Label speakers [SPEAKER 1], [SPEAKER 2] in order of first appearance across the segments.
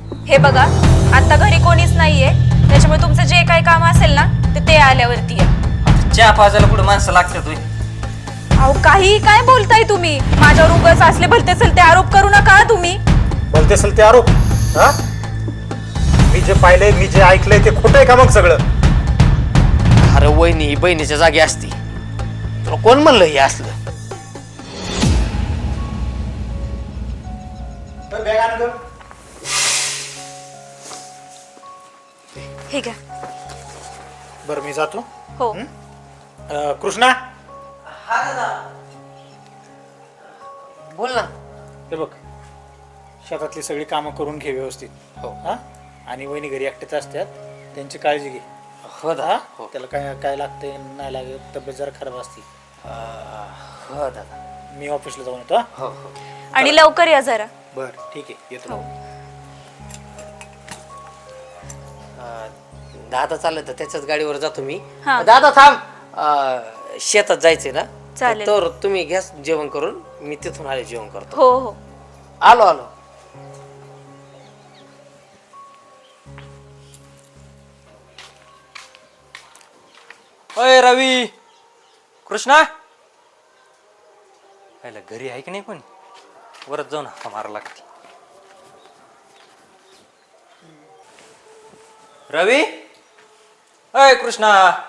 [SPEAKER 1] हे बघा, आता घरी कोणीच नाहीये, त्याच्यामुळे तुमचं जे काही काम असेल ना ते आल्यावरती आहे.
[SPEAKER 2] चहा पाजायला कुठं माणसं लागतात होय?
[SPEAKER 1] अहो काही काय बोलताय तुम्ही? माझ्यावर उगाच असले भलते चलते आरोप करू नका तुम्ही.
[SPEAKER 3] बोलते असेल ते आरोप? हा, मी जे पाहिलंय, मी जे ऐकलंय ते खोटं आहे का मग सगळं?
[SPEAKER 4] अरे वहिनी ही बहिणीच्या जागी असती, तुला कोण म्हणलं हे असलं?
[SPEAKER 1] हे घ्या.
[SPEAKER 3] बरं मी जातो.
[SPEAKER 1] हो.
[SPEAKER 3] कृष्णा,
[SPEAKER 4] बोल ना.
[SPEAKER 3] हे बघ, शेतातली सगळी कामं करून घे व्यवस्थित.
[SPEAKER 4] हो.
[SPEAKER 3] हा, आणि वहिनी घरी एकटेच असतात, त्यांची काळजी घे.
[SPEAKER 4] हो
[SPEAKER 3] हा,
[SPEAKER 4] दादा. हो.
[SPEAKER 3] त्याला काय काय लागतंय नाही लागत, तब्येत जरा खराब असते.
[SPEAKER 4] हो दादा.
[SPEAKER 3] मी ऑफिसला जाऊन येतो.
[SPEAKER 4] हो हो.
[SPEAKER 1] आणि लवकर या जरा.
[SPEAKER 3] बरं ठीक आहे, येतो.
[SPEAKER 1] हो.
[SPEAKER 4] दादा चाललं तर त्याच्याच गाडीवर जातो मी.
[SPEAKER 1] हा.
[SPEAKER 4] दादा थांब, शेतात जायचंय ना?
[SPEAKER 1] चालेल.
[SPEAKER 4] तर तुम्ही घ्या जेवण करून, मी तिथून आले जेवण करतो.
[SPEAKER 1] हो हो.
[SPEAKER 4] आलो आलो.
[SPEAKER 2] अय रवी, कृष्णा, पहिला घरी आहे की नाही कोणी? वरच जाऊन हाका मारा लागते. रवी, अय कृष्णा.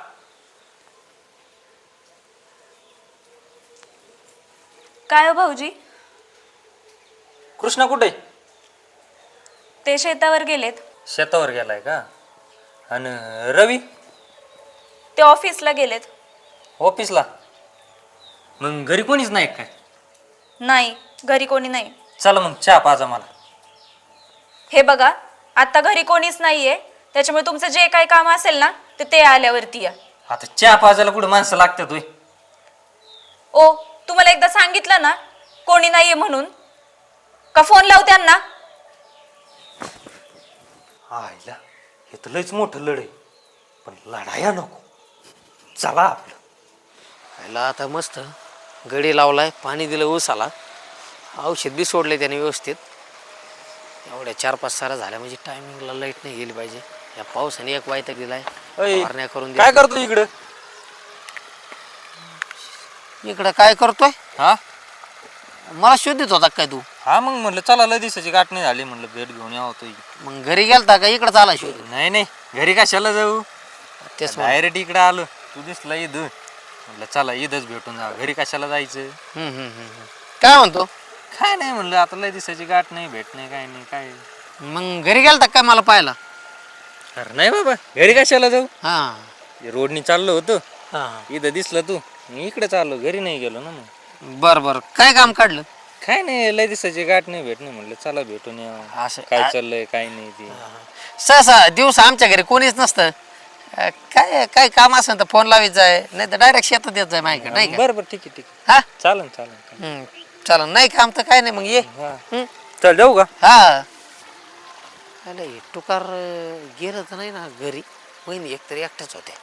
[SPEAKER 1] काय हो भाऊजी?
[SPEAKER 2] कृष्णा कुठे?
[SPEAKER 1] ते शेतावर गेलेत.
[SPEAKER 2] शेतावर गेलाय का? आणि रवी
[SPEAKER 1] ते ऑफिसला गेलेत.
[SPEAKER 2] ऑफिसला? मग घरी कोणीच नाही काय?
[SPEAKER 1] नाही, घरी कोणी नाही.
[SPEAKER 2] चला मग चहा पाजा मला.
[SPEAKER 1] हे बघा, आता घरी कोणीच नाहीये, त्याच्यामुळे तुमचं जे काही काम असेल ना ते आल्यावरती या.
[SPEAKER 2] आता चहा पाजायला कुठं माणसं लागतात होय?
[SPEAKER 1] ओ, तुम्हाला एकदा सांगितलं ना कोणी नाहीये म्हणून. का फोन लावू त्यांना?
[SPEAKER 2] आईला, हे तर लयच मोठं लढ आहे, पण लढाया नको. चला आपलं.
[SPEAKER 4] याला आता मस्त गडी लावलाय, पाणी दिलं ऊसाला, औषध बी सोडले त्याने व्यवस्थित. एवढ्या 4-5 सारा झाल्या म्हणजे टायमिंगला लाईट नाही गेली पाहिजे. या पावसाने एक वायता दिलाय, फवारण्या करून
[SPEAKER 2] काय करतो इकडं?
[SPEAKER 4] इकडं काय करतोय?
[SPEAKER 2] हा
[SPEAKER 4] मला शोधित होता काय तू?
[SPEAKER 2] हा, मग म्हणलं चला, लय दिवसाची गाठ नाही झाली, म्हणलं भेट घेऊन यावं तो.
[SPEAKER 4] मग घरी गेलता का इकडं आला शोध?
[SPEAKER 2] नाही नाही, घरी कशाला जाऊ,
[SPEAKER 4] तेच
[SPEAKER 2] डायरेक्ट इकडे आलो. तू दिसला ईद, म्हणलं चला ईदच भेटून जा, घरी कशाला जायचं.
[SPEAKER 4] काय म्हणतो?
[SPEAKER 2] काय नाही, म्हणलं आता लय दिवसाची गाठ नाही, भेट नाही, काय नाही. काय
[SPEAKER 4] मग घरी गेलता काय मला पाहायला?
[SPEAKER 2] अरे नाही बाबा, घरी कशाला जाऊ.
[SPEAKER 4] हा
[SPEAKER 2] रोडनी चाललो होतो,
[SPEAKER 4] हा.
[SPEAKER 2] इथं दिसलं तू, मी इकडे चाललो, घरी नाही गेलो ना. मग
[SPEAKER 4] बर बर, काय काम काढलं?
[SPEAKER 2] काय नाही, लय दिवसाची गाठ नाही, भेट नाही, म्हणलं चला भेटून या,
[SPEAKER 4] असं
[SPEAKER 2] काय चाललंय काय नाही ते.
[SPEAKER 4] सहसा दिवस आमच्या घरी कोणीच नसतं. काय काय काम असेल तर फोन लावायचा आहे, नाही तर डायरेक्ट शेतात येत जाय माझ्याकडे, नाही का?
[SPEAKER 2] बरं बरं, ठीक आहे ठीक आहे,
[SPEAKER 4] हा
[SPEAKER 2] चालन चालन.
[SPEAKER 4] चला, नाही काम तर काय नाही, मग ये.
[SPEAKER 2] चल जाऊ का?
[SPEAKER 4] हा. अरे टुकार गेलं तर नाही ना घरी? वहिनी एकतरी एकट्याच होत्या.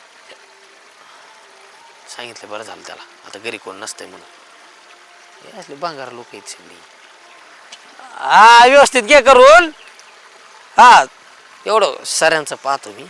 [SPEAKER 4] सांगितलं बरं झालं त्याला, आता घरी कोण नसतंय म्हणून. हे असले बांगार लोक आहेत सगळी. हा, व्यवस्थित घे करून. हा, एवढं सऱ्यांचं पाहतो मी.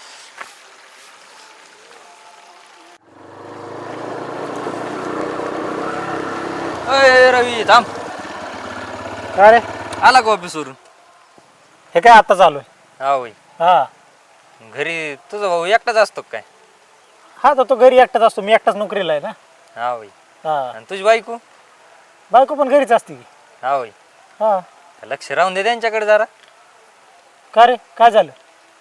[SPEAKER 2] अय रवी थांब.
[SPEAKER 3] काय रे?
[SPEAKER 2] आला का ऑफिसवरून?
[SPEAKER 3] हे काय आता चालू आहे?
[SPEAKER 2] हा होय.
[SPEAKER 3] हा
[SPEAKER 2] घरी तुझा भाऊ एकटाच असतो काय?
[SPEAKER 3] हा, तर तो घरी एकटाच असतो, मी एकटाच नोकरीला आहे ना.
[SPEAKER 2] हा होय.
[SPEAKER 3] हा,
[SPEAKER 2] आणि तुझी बायको?
[SPEAKER 3] बायको पण घरीच असते की.
[SPEAKER 2] हा होय.
[SPEAKER 3] हा.
[SPEAKER 2] लक्ष राहून दे त्यांच्याकडे जरा.
[SPEAKER 3] का रे, काय झालं?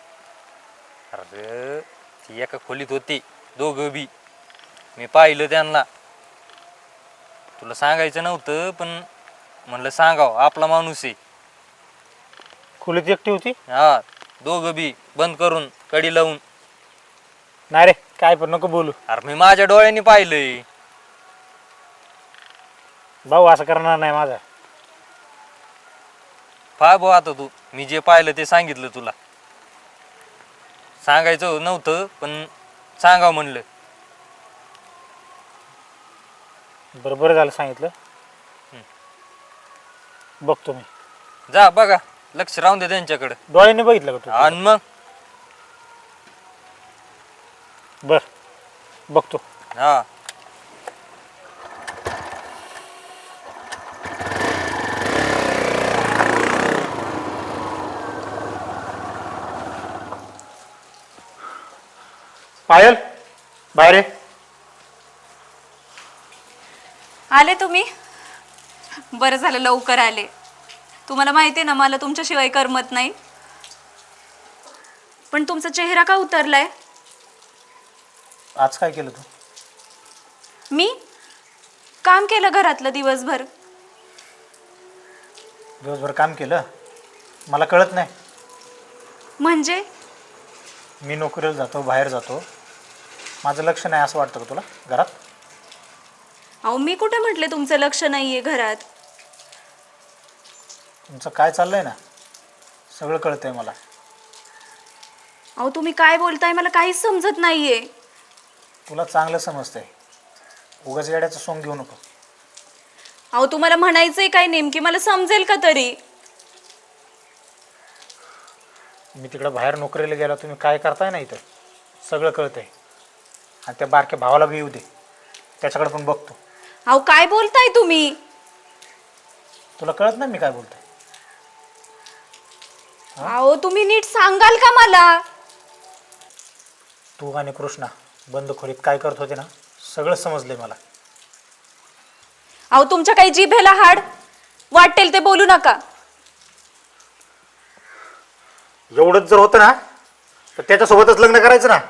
[SPEAKER 2] अरे ती एका खोलीत होती, दोघं बी. मी पाहिलं त्यांना. तुला सांगायचं नव्हतं, पण म्हणलं सांगाव, आपला माणूस आहे.
[SPEAKER 3] खोलीत एकटी होती?
[SPEAKER 2] हा, दोघं बी बंद करून, कडी लावून.
[SPEAKER 3] नाही रे, काय पण नको बोलू.
[SPEAKER 2] अरे मी माझ्या डोळ्यांनी पाहिलंय.
[SPEAKER 3] भाऊ असं करणार नाही माझा.
[SPEAKER 2] पाय भाऊ आता तू, मी जे पाहिलं ते सांगितलं तुला. सांगायचं नव्हतं, पण सांगाव म्हणलं.
[SPEAKER 3] बरं झालं सांगितलं. बघतो मी.
[SPEAKER 2] जा बघा, लक्ष राहून दे त्यांच्याकडे.
[SPEAKER 3] डोळ्याने बघितलं का
[SPEAKER 2] आणि मग
[SPEAKER 3] तू? बर बघतो.
[SPEAKER 2] हा
[SPEAKER 3] पायल बाहेर ये.
[SPEAKER 1] आले तुम्ही? बरं झालं लवकर आले. तुम्हाला माहिती आहे ना मला तुमच्याशिवाय करमत नाही. पण तुमचा चेहरा का उतरलाय?
[SPEAKER 3] आज काय केलं तू?
[SPEAKER 1] मी काम केलं घरातलं दिवसभर.
[SPEAKER 3] दिवसभर काम केलं? मला कळत नाही.
[SPEAKER 1] म्हणजे
[SPEAKER 3] मी नोकरीला जातो, बाहेर जातो, माझं लक्ष नाही असं वाटतं का तुला घरात?
[SPEAKER 1] अहो मी कुठे म्हटले तुमचं लक्ष नाहीये घरात.
[SPEAKER 3] तुमचं काय चाललंय ना सगळं कळतंय मला.
[SPEAKER 1] अहो तुम्ही काय बोलताय मला काहीच समजत नाहीये.
[SPEAKER 3] तुला चांगलं समजतंय, उगाच येड्याचं सोंग घेऊ नको.
[SPEAKER 1] अहो तुम्हाला म्हणायचंय काय नेमकी मला समजेल का तरी?
[SPEAKER 3] मी तिकडं बाहेर नोकरीला गेला, तुम्ही काय करताय ना इथं सगळं कळतंय. आणि त्या बारक्या भावाला बी येऊ दे, त्याच्याकडे पण बघतो.
[SPEAKER 1] अहो काय बोलताय तुम्ही?
[SPEAKER 3] तुला कळत नाही मी काय बोलतोय?
[SPEAKER 1] अहो तुम्ही नीट सांगाल का मला?
[SPEAKER 3] तू आणि कृष्णा बंद खोलीत काय करत होते ना सगळं समजलंय मला.
[SPEAKER 1] अहो तुमच्या काही जिभेला हाड वाटेल ते बोलू नका.
[SPEAKER 3] एवढंच जर होतं ना तर त्याच्यासोबतच लग्न करायचं ना.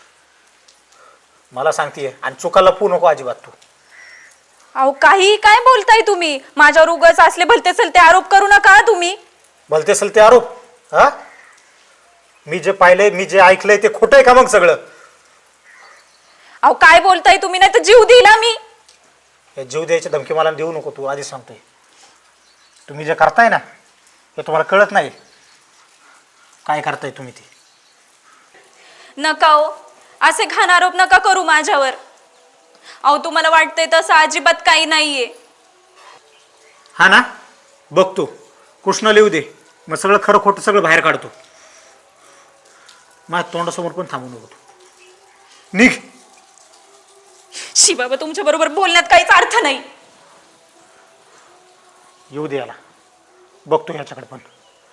[SPEAKER 3] मला सांगतेय आणि चुकाला पू नको अजिबात तू.
[SPEAKER 1] अहो काही काय बोलताय तुम्ही? माझ्यावर उगाच असले भलते चलते आरोप करू नका तुम्ही.
[SPEAKER 3] भलते असेल ते आरोप? हा, मी जे पाहिलंय, मी जे ऐकलंय ते खोटं आहे का मग सगळं?
[SPEAKER 1] अहो काय बोलताय तुम्ही? नाही तर जीव दिला मी.
[SPEAKER 3] हे जीव द्यायची धमकी मला देऊ नको तू, आधी सांगतोय. तुम्ही जे करताय ना हे तुम्हाला कळत नाही काय करताय तुम्ही ते.
[SPEAKER 1] नका हो, असे घाण आरोप नका करू माझ्यावर. अहो तुम्हाला वाटतंय तसं अजिबात काही नाहीये.
[SPEAKER 3] हा ना, बघतो कृष्ण लिहू दे, मग सगळं खरं खोटं सगळं बाहेर काढतो. माझ्या तोंडासमोर पण थांबू नको तू, निघ.
[SPEAKER 1] शी बाबा तुमच्या बरोबर बोलण्यात काहीच अर्थ नाही.
[SPEAKER 3] येऊ दे याला, बघतो ह्याच्याकडे पण.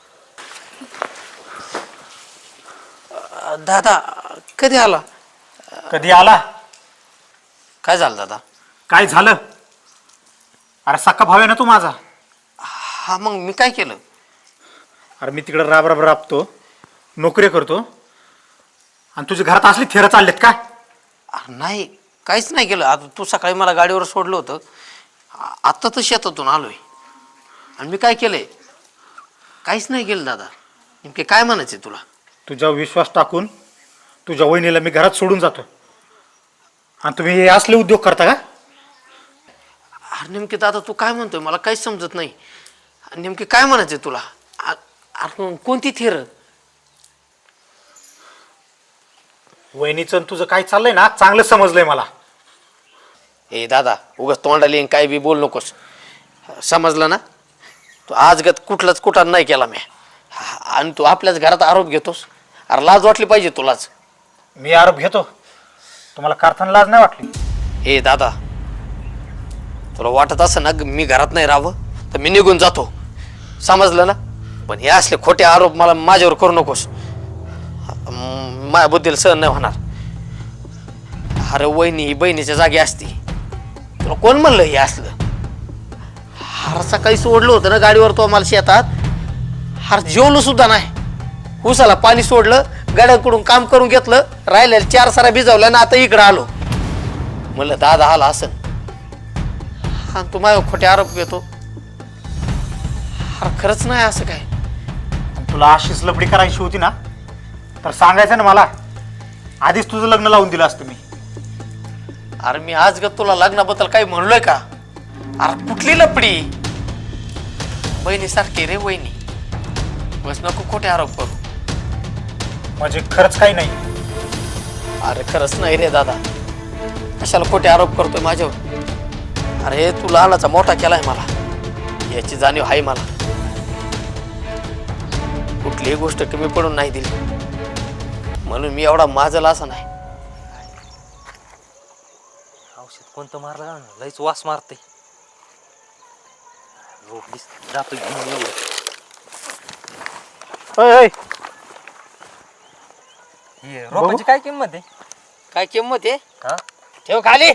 [SPEAKER 4] दादा कधी आला?
[SPEAKER 3] कधी आला?
[SPEAKER 4] काय झालं दादा?
[SPEAKER 3] काय झालं? अरे सक्का भाव आहे ना तू माझा.
[SPEAKER 4] हा मग मी काय केलं?
[SPEAKER 3] अरे मी तिकडे राब राब राबतो, नोकरी करतो, आणि तुझ्या घरात असली थेरं चाललेत का?
[SPEAKER 4] अरे नाही, काहीच नाही केलं. आता तू सकाळी मला गाडीवर सोडलं होतं, आत्ता तर शेतातून आलोय. आणि मी काय केलंय? काहीच नाही केलं दादा. नेमके काय म्हणायचे तुला?
[SPEAKER 3] तुझ्या विश्वास टाकून तुझ्या वहिनीला मी घरात सोडून जातो, आणि तुम्ही हे असले उद्योग करता का?
[SPEAKER 4] अरे नेमके दादा तू काय म्हणतोय मला काहीच समजत नाही. नेमके काय म्हणायचे तुला? अरे कोणती थेर?
[SPEAKER 3] वहिनीचं तुझं काय चाललंय ना चांगलं समजलंय मला.
[SPEAKER 4] ए दादा उगाच तोंडाला येईन काय बी बोल नकोस, समजलं ना? तू आजगत कुठलाच कुठं नाही केला मी, आणि तू आपल्याच घरात आरोप घेतोस. अरे लाज वाटली पाहिजे तुलाच.
[SPEAKER 3] मी आरोप घेतो, तुम्हाला कारखाना लाज नाही वाटली?
[SPEAKER 4] ए दादा तुला वाटत असं ना मी घरात नाही राहावं तर मी निघून जातो, समजलं ना? पण हे असले खोटे आरोप मला माझ्यावर करू नकोस, माझ्या बुद्धीला सहन नाही होणार. अरे वहिनी ही बहिणीच्या जागी असती, तुला कोण म्हणलं हे असलं? हार सकाळी सोडलं होतं ना गाडीवर तो मला शेतात, हार जेवलो सुद्धा नाही. उसाला पाणी सोडलं, गाड्यांकडून काम करून घेतलं, राहिलेल्या 4 साऱ्या भिजवल्या ना आता इकडं आलो. म्हणलं दादा आला असन, हा तू माझ्यावर खोटे आरोप घेतो. हार खरंच नाही असं काय.
[SPEAKER 3] आणि तुला अशीच लपडी करायची होती ना तर सांगायचं ना मला, आधीच तुझं लग्न लावून दिलं असतं मी.
[SPEAKER 4] अरे मी आज ग तुला लग्नाबद्दल काही म्हणलोय का? अरे कुठली लपडी? बहिणीसारखी रे वहिनी, बस नको खोटे आरोप करू.
[SPEAKER 3] म्हणजे खरंच काही नाही?
[SPEAKER 4] अरे खरंच नाही रे दादा, कशाला खोटे आरोप करतोय माझ्यावर? अरे तू लहानाचा मोठा केलाय मला, याची जाणीव आहे मला. कुठलीही गोष्ट कमी पडून नाही दिली, म्हणून मी एवढा माजला असा नाही.
[SPEAKER 2] औषध कोणतं मारलं का ना लयच वास मारते. रोखलीस जातो घेऊन एवढं.
[SPEAKER 3] ओय,
[SPEAKER 2] हे रोपाची काय किंमत आहे?
[SPEAKER 4] काय किंमत आहे?
[SPEAKER 2] हा
[SPEAKER 4] ठेव खाली.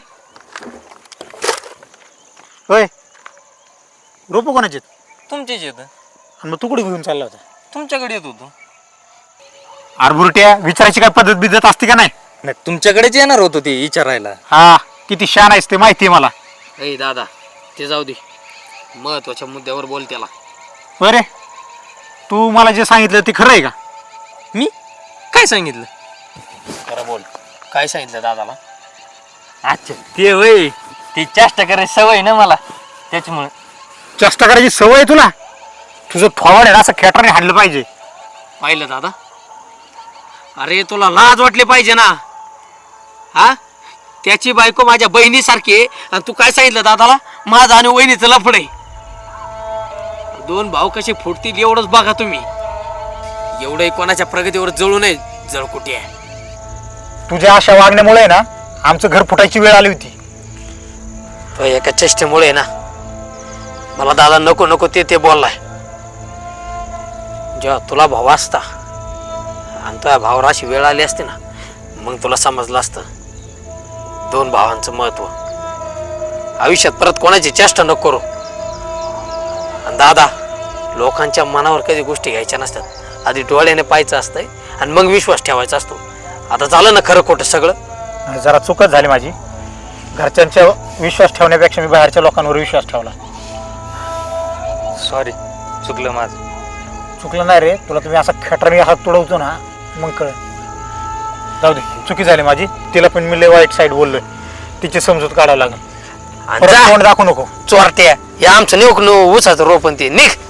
[SPEAKER 3] ओय, रोपं कोणाचे आहेत?
[SPEAKER 2] तुमचीच येत.
[SPEAKER 3] आणि मग तू कुठे घेऊन चालला होता?
[SPEAKER 2] तुमच्याकडे येत होतो.
[SPEAKER 3] आरबुरट्या विचारायची काय पद्धत बिद्धत असते का नाही?
[SPEAKER 2] नाही तुमच्याकडेच येणार होतो ते विचारायला.
[SPEAKER 3] हा, किती शान आहेस ते माहिती आहे मला.
[SPEAKER 4] ए दादा, ते जाऊ दे, महत्वाच्या मुद्द्यावर बोल त्याला.
[SPEAKER 3] बरे, तू मला जे सांगितलं ते खरं आहे का?
[SPEAKER 2] मी काय सांगितलं?
[SPEAKER 4] खरं बोल, काय सांगितलं दादाला?
[SPEAKER 2] अच्छा ते वय ती चेष्टा करायची सवय ना मला, त्याच्यामुळे.
[SPEAKER 3] चेष्टा करायची सवय आहे तुला? तुझं थोवाड आहे ना, असं खेटराने हाणलं पाहिजे.
[SPEAKER 4] पाहिलं दादा? अरे तुला लाज वाटली पाहिजे ना. हा, त्याची बायको माझ्या बहिणीसारखी आहे आणि तू काय सांगितलं दादाला? माझं आणि वहिनीचं लफड आहे. दोन भाऊ कसे फुटतील एवढंच बघा तुम्ही. एवढंही कोणाच्या प्रगतीवर जळू नये जळकुटी आहे.
[SPEAKER 3] तुझ्या अशा वागण्यामुळे ना आमचं घर फुटायची वेळ आली होती.
[SPEAKER 4] तो एका चेष्टेमुळे ना मला दादा नको नको ते बोललाय. जेव्हा तुला भाऊ असता आणि तुझ्या भावावर अशी वेळ आली असते ना, मग तुला समजलं असतं दोन भावांचं महत्व. आयुष्यात परत कोणाची चेष्टा नको करू. आणि दादा, लोकांच्या मनावर कधी गोष्टी घ्यायच्या नसतात. आधी डोळ्याने पाहायचं असतंय आणि मग विश्वास ठेवायचा असतो. आता झालं ना खरं खोटं सगळं?
[SPEAKER 3] जरा चुकच झाली माझी. घरच्यांच्या विश्वास ठेवण्यापेक्षा मी बाहेरच्या लोकांवर विश्वास ठेवला.
[SPEAKER 2] सॉरी, चुकलं माझं.
[SPEAKER 3] चुकलं नाही रे, तुला तुम्ही असा खेटराने हात तुडवतो ना मग कळ. जाऊ दे, चुकी झाली माझी. तिला पण मी लय वाईट साईड बोललोय, तिची समजूत काढावं लागेल.
[SPEAKER 4] आणि जा
[SPEAKER 3] तोंड दाखवू नको.
[SPEAKER 4] चोरट्या, हे आमचं नेऊक नो उसाचं रोपण ते निघ.